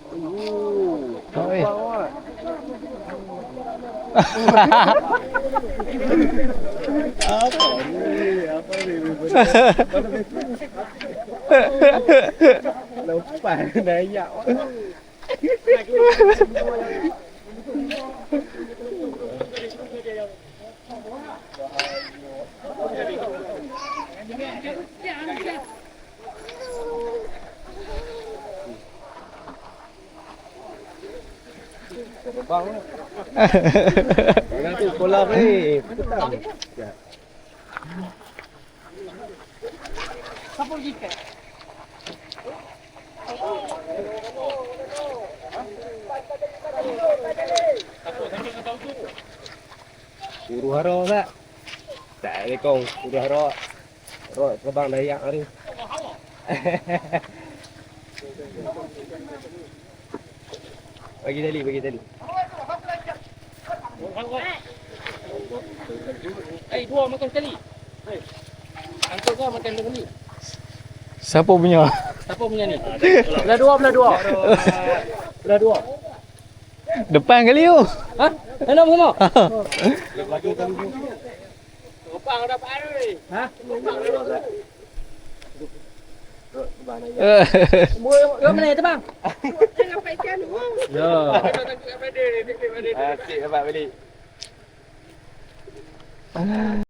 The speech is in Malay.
Oi. Apa ni? Apa ni? Lepas naik. Bang. Nanti sekolah ni. Petang. Siapa pergi ke? Guru haro tak? Tak ada kong. Guru haro. Haro terbang dayak ni. Bagi tali, bagi tali. Dua makan sekali. Angkut kau makan sekali. Siapa punya? Siapa punya ni? Belah dua, belah dua. Belah dua. Depan kali tu. Ha? Enak semua? Lagi tali tu. Opang dah paru ni. Ha? Kau mana tu bang? Tengah paikan tu. Ya. Asyik dapat balik.